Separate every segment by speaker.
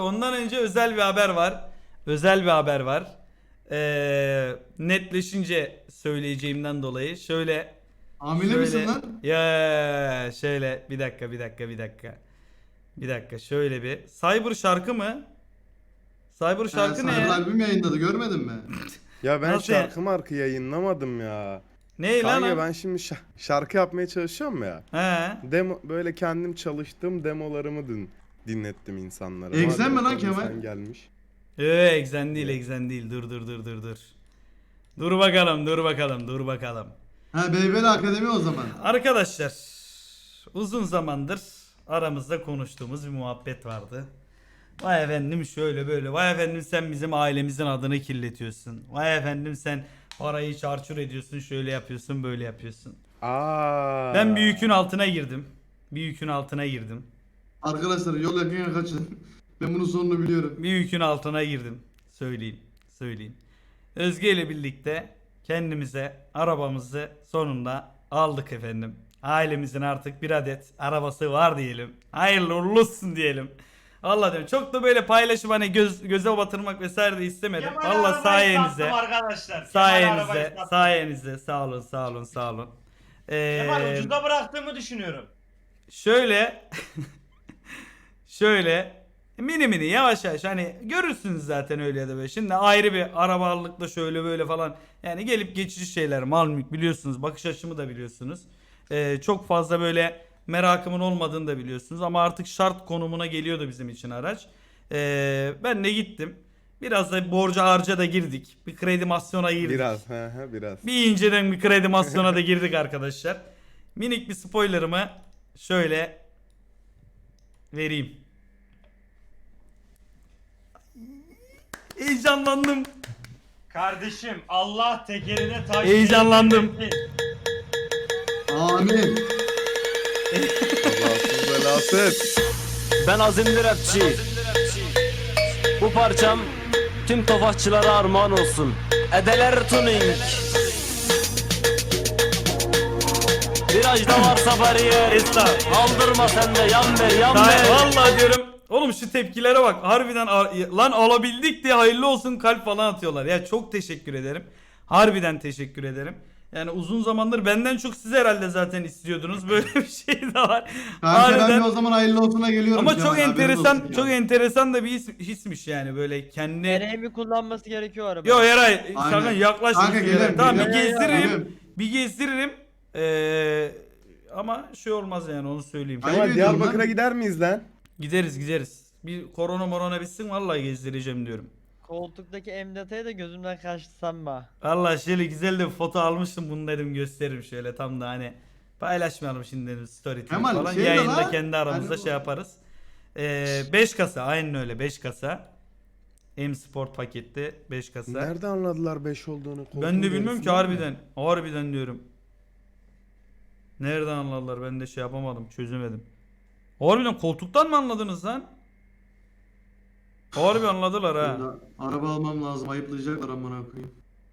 Speaker 1: ondan önce özel bir haber var. Özel bir haber var. Netleşince söyleyeceğimden dolayı
Speaker 2: Hamile misin lan?
Speaker 1: Ya şöyle bir dakika. Bir dakika şöyle bir. Cyber şarkı mı? Cyber şarkı
Speaker 2: Cyber
Speaker 1: ne?
Speaker 2: albüm yayınladı, görmedin mi?
Speaker 3: Ya ben
Speaker 1: Nasıl ya?
Speaker 3: şarkı yayınlamadım ya.
Speaker 1: Ne lan
Speaker 3: Kanka
Speaker 1: o?
Speaker 3: ben şimdi şarkı yapmaya çalışıyorum ya.
Speaker 1: He.
Speaker 3: Demo böyle kendim çalıştığım demolarımı dinlettim insanlara.
Speaker 2: Egzen mi lan
Speaker 3: Madem
Speaker 2: Kemal?
Speaker 3: Sen gelmiş.
Speaker 1: Egzen değil. Dur. Dur bakalım.
Speaker 2: Ha, BBL Akademi o zaman.
Speaker 1: Arkadaşlar uzun zamandır aramızda konuştuğumuz bir muhabbet vardı. Vay efendim şöyle böyle. Vay efendim sen bizim ailemizin adını kirletiyorsun. Vay efendim sen parayı çarçur ediyorsun. Şöyle yapıyorsun böyle yapıyorsun. Ben bir yükün altına girdim.
Speaker 2: Arkadaşlar yol yakın kaçın. Ben bunun sonunu biliyorum.
Speaker 1: Bir yükün altına girdim. Söyleyeyim. Özge ile birlikte kendimize arabamızı sonunda aldık efendim. Ailemizin artık bir adet arabası var diyelim. Hayırlı uğurlu olsun diyelim. Allah diyorum. Çok da böyle paylaşım hani göze batırmak vesaire de istemedim.
Speaker 4: Kemal
Speaker 1: Allah
Speaker 4: arabayı
Speaker 1: sayenizde.
Speaker 4: sattım arkadaşlar. Kemal arabayı sattım.
Speaker 1: Sayenizde. Sağ olun.
Speaker 4: Kemal ucuza bıraktığımı düşünüyorum.
Speaker 1: Şöyle mini yavaş hani görürsünüz zaten öyle ya da böyle. Şimdi ayrı bir arabalıkla şöyle böyle falan yani gelip geçici şeyler mal mülk biliyorsunuz, bakış açımı da biliyorsunuz. Çok fazla böyle merakımın olmadığını da biliyorsunuz ama artık şart konumuna geliyordu bizim için araç. Ben de gittim. Biraz da borca harca da girdik. Bir kredimasyona girdik.
Speaker 3: Biraz.
Speaker 1: Bir inceden bir kredimasyona da girdik arkadaşlar. Minik bir spoilerımı şöyle vereyim. Heyecanlandım.
Speaker 4: Kardeşim Allah tekerine taş
Speaker 1: Heyecanlandım.
Speaker 4: değdirmesin.
Speaker 2: Amin.
Speaker 3: Kazasız belasız.
Speaker 5: Ben azimli rapçi. Bu parçam tüm tofaşçılara armağan olsun. Edeler tuning. Virajda varsa bariyer. Aldırma sen de yan ver.
Speaker 1: Vallahi diyorum. Oğlum şu tepkilere bak. Harbiden lan alabildik diye hayırlı olsun kalp falan atıyorlar. Ya çok teşekkür ederim. Harbiden teşekkür ederim. Yani uzun zamandır benden çok siz herhalde zaten istiyordunuz. Böyle bir şey de var.
Speaker 2: Kanka ben de o zaman hayırlı olsuna geliyorum.
Speaker 1: Ama
Speaker 2: Kemal,
Speaker 1: çok
Speaker 2: haberin
Speaker 1: enteresan,
Speaker 2: olsun
Speaker 1: çok
Speaker 2: ya.
Speaker 1: enteresan da bir hismiş yani böyle kendi.
Speaker 6: Nereye mi kullanması gerekiyor araba?
Speaker 1: Yo Eray,
Speaker 2: Aynen.
Speaker 1: sakın yaklaşma.
Speaker 2: Kanka, gelirim,
Speaker 1: Tamam bir
Speaker 2: gelirim.
Speaker 1: gezdiririm.
Speaker 2: Gelirim.
Speaker 1: Bir gezdiririm. Ama şey olmaz yani onu söyleyeyim.
Speaker 2: Ayıp
Speaker 3: Kemal
Speaker 2: ediyorum
Speaker 3: Diyarbakır'a
Speaker 2: lan.
Speaker 3: gider miyiz lan?
Speaker 1: Gideriz. Bir korona bitsin vallahi gezdireceğim diyorum.
Speaker 6: Koltuktaki emdataya da gözümden kaçtı sanma.
Speaker 1: Vallahi şöyle güzel de bir foto almıştım bunu dedim gösteririm şöyle tam da hani paylaşmayalım şimdi dedim story tweet
Speaker 2: Kemal,
Speaker 1: falan
Speaker 2: şey de
Speaker 1: yayında
Speaker 2: lan,
Speaker 1: kendi aramızda
Speaker 2: hani bu-
Speaker 1: şey yaparız. 5 kasa aynen öyle 5 kasa. M Sport paketli 5 kasa.
Speaker 3: Nerede anladılar 5 olduğunu?
Speaker 1: Ben de bilmiyorum ki
Speaker 3: Koltuğun
Speaker 1: harbiden diyorum. Nereden anladılar ben de şey yapamadım çözemedim. Harbiden koltuktan mı anladınız lan? Harbi anladılar ha.
Speaker 2: Ben de araba almam lazım, ayıplayacaklar amına koyayım.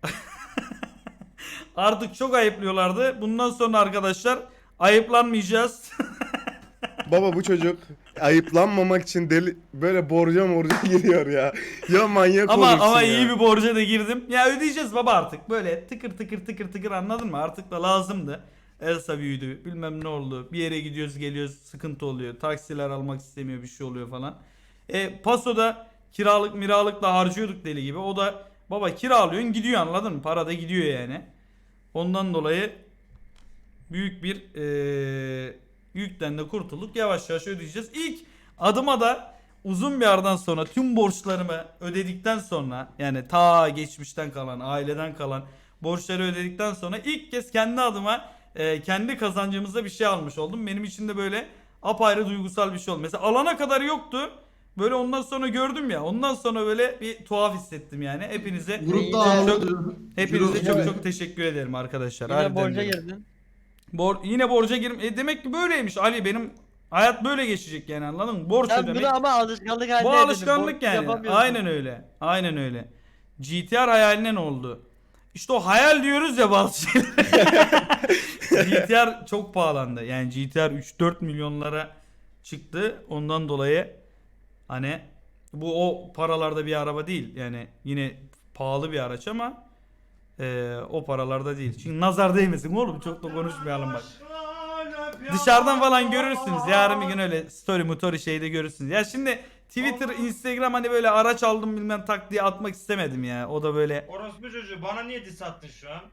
Speaker 1: Artık çok ayıplıyorlardı. Bundan sonra arkadaşlar ayıplanmayacağız.
Speaker 3: Baba bu çocuk ayıplanmamak için böyle borca giriyor ya. Ya manyak olursun
Speaker 1: ama
Speaker 3: ya.
Speaker 1: iyi bir borca da girdim. Ya ödeyeceğiz baba artık. Böyle tıkır anladın mı? Artık da lazımdı. Elsa büyüdü. Bilmem ne oldu. Bir yere gidiyoruz geliyoruz sıkıntı oluyor. Taksiler almak istemiyor bir şey oluyor falan. Paso'da miralıkla harcıyorduk deli gibi. O da baba kiralıyorsun gidiyor anladın mı? Para da gidiyor yani. Ondan dolayı büyük bir yükten de kurtulduk. Yavaş yavaş ödeyeceğiz. İlk adıma da uzun bir aradan sonra tüm borçlarımı ödedikten sonra yani ta geçmişten kalan aileden kalan borçları ödedikten sonra ilk kez kendi adıma kendi kazancımızda bir şey almış oldum. Benim için de böyle apayrı duygusal bir şey oldu. Mesela alana kadar yoktu. Böyle ondan sonra gördüm ya. Ondan sonra böyle bir tuhaf hissettim yani. Hepinize
Speaker 2: Grupta
Speaker 1: hepinize
Speaker 2: Ciro-
Speaker 1: çok teşekkür ederim arkadaşlar.
Speaker 6: Yine
Speaker 1: Harbiden
Speaker 6: borca
Speaker 1: diyorum.
Speaker 6: girdin.
Speaker 1: Yine borca demek ki böyleymiş Ali benim hayat böyle geçecek yani anladın mı? Borç
Speaker 6: Sen
Speaker 1: ödemek.
Speaker 6: bunu ama alışkanlık haline
Speaker 1: Bu
Speaker 6: getirdin.
Speaker 1: alışkanlık
Speaker 6: Borç
Speaker 1: yani.
Speaker 6: yapamıyorsun.
Speaker 1: Aynen öyle. GTR hayaline ne oldu? İşte o hayal diyoruz ya bazı şeyler. GTR çok pahalandı. Yani GTR 3-4 milyonlara çıktı. Ondan dolayı hani Bu o paralarda bir araba değil. Yani yine pahalı bir araç ama o paralarda değil. Çünkü nazar değmesin oğlum, çok da konuşmayalım bak. Dışarıdan falan görürsünüz. Yarın bir gün öyle story şeyde görürsünüz. Ya şimdi Twitter, Instagram hani böyle araç aldım bilmem tak diye atmak istemedim ya. O da böyle.
Speaker 4: Orospu çocuğu bana niye diss attın şu an?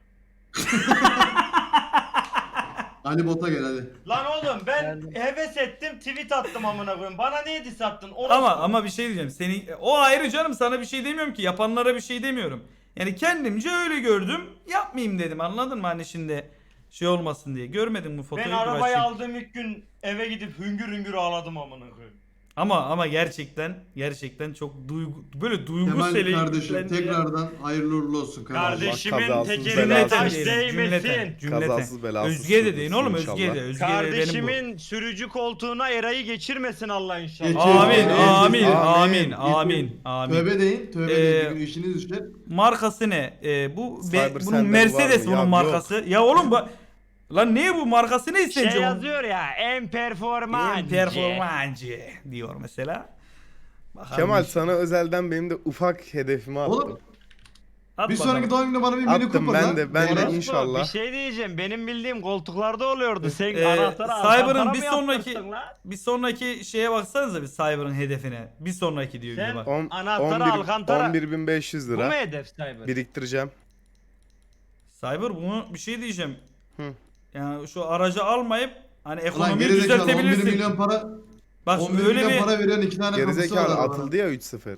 Speaker 2: Ali Bot'a gel hadi.
Speaker 4: Lan oğlum ben
Speaker 6: Geldim.
Speaker 4: heves ettim tweet attım amına koyayım. Bana niye diss attın? Orospu.
Speaker 1: Ama bir şey diyeceğim. O ayrı canım, sana bir şey demiyorum ki. Yapanlara bir şey demiyorum. Yani kendimce öyle gördüm. Yapmayayım dedim. Anladın mı? Hani şimdi şey olmasın diye. Görmedin bu fotoğrafı?
Speaker 4: Ben arabayı
Speaker 1: Burak'cığım?
Speaker 4: aldığım ilk gün eve gidip hüngür hüngür ağladım amına koyayım.
Speaker 1: Ama gerçekten çok böyle duygusel.
Speaker 2: Kemal kardeşim tekrardan hayırlı uğurlu olsun kardeşim.
Speaker 4: Kardeşimin
Speaker 3: kazasız
Speaker 4: tekerine
Speaker 3: belasız
Speaker 4: taş
Speaker 1: diyelim,
Speaker 4: değmesin.
Speaker 3: Kazasız belasız
Speaker 1: Özge de deyin
Speaker 3: sürdürsün
Speaker 1: oğlum,
Speaker 3: inşallah.
Speaker 1: Özge de. Özge de benim bu.
Speaker 4: Kardeşimin sürücü koltuğuna Eray'ı geçirmesin Allah inşallah.
Speaker 2: Geçir.
Speaker 1: Amin,
Speaker 2: Amin.
Speaker 1: amin,
Speaker 3: Amin.
Speaker 1: amin, amin.
Speaker 2: Tövbe deyin. Tövbe deyin. Bir gün işiniz düşer.
Speaker 1: Markası ne? Bu
Speaker 3: Cyber
Speaker 1: bunun
Speaker 3: sende
Speaker 1: Mercedes
Speaker 3: var mı?
Speaker 1: bunun
Speaker 3: Ya
Speaker 1: markası. Ya oğlum lan ne bu markası ne sence?
Speaker 4: Şey yazıyor ya en performancı.
Speaker 1: Performancı diyor mesela. Bakalım.
Speaker 3: Kemal sana özelden benim de ufak hedefimi attım.
Speaker 2: Oğlum
Speaker 1: At
Speaker 2: bir
Speaker 1: bakalım.
Speaker 2: sonraki doğum gününde bana bir Mini
Speaker 3: Attım
Speaker 2: Cooper
Speaker 3: ben
Speaker 2: lan.
Speaker 3: de, ben de
Speaker 2: Orospu.
Speaker 3: inşallah.
Speaker 4: Bir şey diyeceğim benim bildiğim koltuklarda oluyordu. Sen
Speaker 1: Cyber'ın
Speaker 4: anahtarı
Speaker 1: bir
Speaker 4: bir
Speaker 1: sonraki şeye baksanıza bir Cyber'ın hedefine. Bir sonraki diyor bir de
Speaker 4: Sen-
Speaker 1: bak.
Speaker 4: Anahtarı Alcantara.
Speaker 3: 11.500
Speaker 4: Bu mu
Speaker 3: lira
Speaker 4: hedef Cyber?
Speaker 3: biriktireceğim.
Speaker 1: Cyber bunu bir şey diyeceğim.
Speaker 3: Hı.
Speaker 1: Yani şu aracı almayıp hani
Speaker 2: Ulan
Speaker 1: ekonomiyi
Speaker 2: gerizekalı 11
Speaker 1: düzeltebilirsin.
Speaker 2: milyon para.
Speaker 1: Bak
Speaker 2: 11
Speaker 1: öyle
Speaker 2: milyon
Speaker 1: bir
Speaker 2: para veren 2 tane kapısı var
Speaker 3: Gerizekalı
Speaker 2: arabanın.
Speaker 3: atıldı ya 3-0.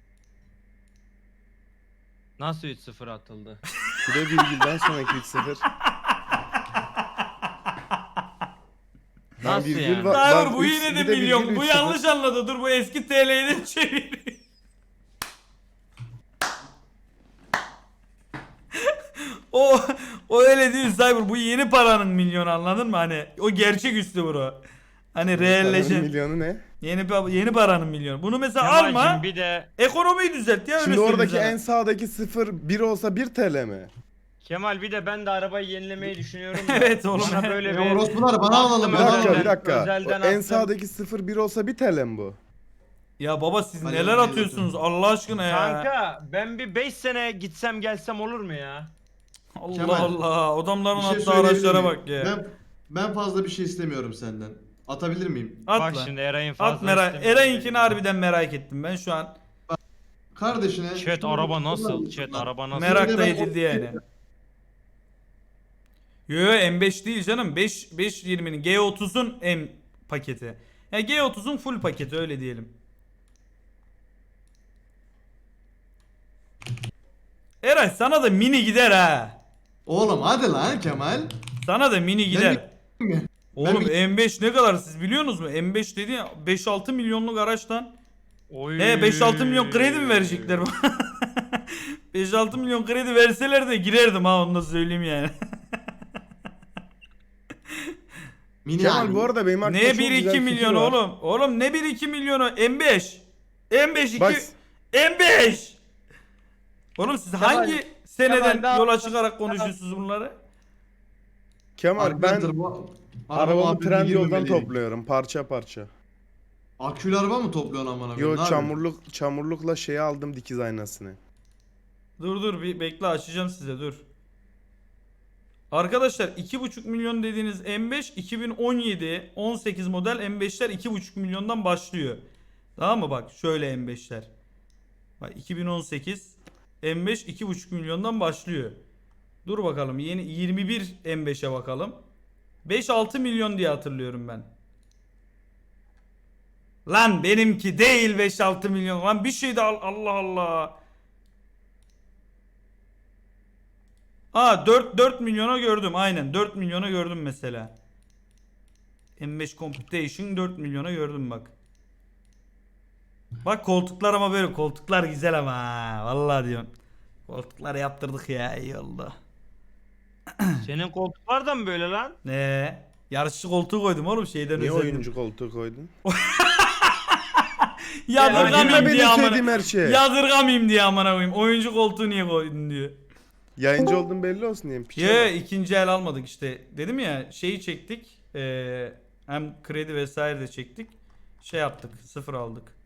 Speaker 4: Nasıl 3-0 atıldı?
Speaker 3: Bir de virgülden sonraki 3-0. Lan
Speaker 4: Nasıl
Speaker 3: virgül
Speaker 4: yani?
Speaker 3: var-
Speaker 1: Cyber
Speaker 3: lan
Speaker 1: bu
Speaker 3: üç-
Speaker 1: yine de
Speaker 3: bir virgül
Speaker 1: milyon. Bu
Speaker 3: 3-0.
Speaker 1: yanlış anladı. Dur bu eski TL'ye de çevir. o öyle değil Cyber. Bu yeni paranın milyonu, anladın mı? Hani o gerçek üstü bro. Hani realleşen.
Speaker 3: Milyonu ne?
Speaker 1: Yeni paranın milyonu. Bunu mesela
Speaker 4: Kemal'cim
Speaker 1: alma.
Speaker 4: bir de
Speaker 1: Ekonomiyi düzelt ya, öyle
Speaker 3: Şimdi
Speaker 1: söyleyeyim
Speaker 3: oradaki
Speaker 1: sana.
Speaker 3: en sağdaki 0 1 olsa 1 TL mi?
Speaker 4: Kemal bir de ben de arabayı yenilemeyi düşünüyorum. da.
Speaker 1: Evet oğlum.
Speaker 4: Bana böyle
Speaker 2: Ya
Speaker 4: bir
Speaker 2: orospular bana alalım.
Speaker 3: Bir
Speaker 2: bana
Speaker 3: dakika
Speaker 2: alalım.
Speaker 3: bir dakika.
Speaker 4: özelden
Speaker 3: O en
Speaker 4: attım.
Speaker 3: sağdaki 0 1 olsa 1 TL mi bu?
Speaker 1: Ya baba siz
Speaker 2: Hadi
Speaker 1: neler
Speaker 2: hadi
Speaker 1: atıyorsunuz Allah aşkına ya.
Speaker 4: Kanka ben bir 5 sene gitsem gelsem olur mu ya?
Speaker 1: Allah
Speaker 2: Kemal,
Speaker 1: Allah. Adamların
Speaker 2: Bir şey
Speaker 1: attığı
Speaker 2: söyleyebilir
Speaker 1: araçlara
Speaker 2: miyim?
Speaker 1: bak ya.
Speaker 2: Ben fazla bir şey istemiyorum senden. Atabilir miyim?
Speaker 1: At
Speaker 4: Bak
Speaker 1: lan.
Speaker 4: şimdi Eray'ın
Speaker 1: At
Speaker 4: fazla
Speaker 1: merak.
Speaker 4: istemiyorum.
Speaker 1: Eray'inkini harbiden merak ettim ben şu an.
Speaker 2: Kardeşine...
Speaker 4: Chat araba nasıl? Chat araba nasıl?
Speaker 1: Merak
Speaker 2: Şimdi
Speaker 1: da
Speaker 2: ben
Speaker 1: edildi yani. Yo M5 değil canım. 520'nin G30'un M paketi. Ya G30'un full paketi öyle diyelim. Eray sana da mini gider ha.
Speaker 2: Oğlum hadi lan Kemal.
Speaker 1: Sana da mini gider.
Speaker 2: mi?
Speaker 1: Oğlum
Speaker 2: Ben
Speaker 1: M5 ne kadar siz biliyorsunuz mu? M5 dedi ya 5-6 milyonluk araçtan.
Speaker 4: Oy.
Speaker 1: 5-6 milyon kredi mi verecekler bana? 5-6 milyon kredi verseler de girerdim ha, onu da söyleyeyim yani.
Speaker 2: Mini
Speaker 3: Kemal
Speaker 2: abi.
Speaker 3: bu arada benim aklımda
Speaker 1: Ne
Speaker 3: çok güzel
Speaker 1: 1-2
Speaker 3: fikir
Speaker 1: milyon
Speaker 3: var.
Speaker 1: oğlum? Oğlum ne 1-2 milyonu? M5. M5 2.
Speaker 3: Bak
Speaker 1: M5. Oğlum siz hangi seneden
Speaker 6: Kemal,
Speaker 1: yola çıkarak konuşuyorsunuz bunları?
Speaker 3: Kemal ben
Speaker 2: Arkadaşlar, bu
Speaker 3: arabamı
Speaker 2: muhabbetine
Speaker 3: Trendyol'dan
Speaker 2: girmemeliyim.
Speaker 3: topluyorum parça parça.
Speaker 2: Akülü araba mı topluyorsun amına koyayım?
Speaker 3: Yo
Speaker 2: Ne yapıyorsun?
Speaker 3: çamurlukla şeyi aldım dikiz aynasını.
Speaker 1: Dur bir bekle, açacağım size dur. Arkadaşlar 2,5 milyon dediğiniz M5 2017 18 model M5'ler 2,5 milyondan başlıyor. Tamam mı, bak şöyle M5'ler. Bak 2018 M5 2,5 milyondan başlıyor. Dur bakalım yeni 21 M5'e bakalım. 5-6 milyon diye hatırlıyorum ben. Lan benimki değil 5-6 milyon. Lan bir şey de Allah Allah. Aa 4 milyona gördüm aynen 4 milyona gördüm mesela. M5 Computation 4 milyona gördüm bak. Bak koltuklar ama böyle koltuklar güzel ama ha. Vallahi diyorum. Koltukları yaptırdık ya, iyi oldu.
Speaker 4: Senin koltuklar da mı böyle lan?
Speaker 1: Ne? Yarışçı koltuğu koydum oğlum şeyden
Speaker 3: Niye
Speaker 1: özendim.
Speaker 3: oyuncu koltuğu koydun?
Speaker 1: Yadırgamayayım
Speaker 3: Oyunda
Speaker 1: diye
Speaker 3: benim
Speaker 1: amına.
Speaker 3: sevdiğim her şey.
Speaker 1: Yadırgamayayım diye amına koyayım. Oyuncu koltuğu niye koydun diyor.
Speaker 3: Yayıncı olduğum belli olsun diyeyim. Piçe
Speaker 1: Ya
Speaker 3: bak.
Speaker 1: ikinci el almadık işte. Dedim ya şeyi çektik. Hem kredi vesaire de çektik. Şey yaptık. Sıfır aldık.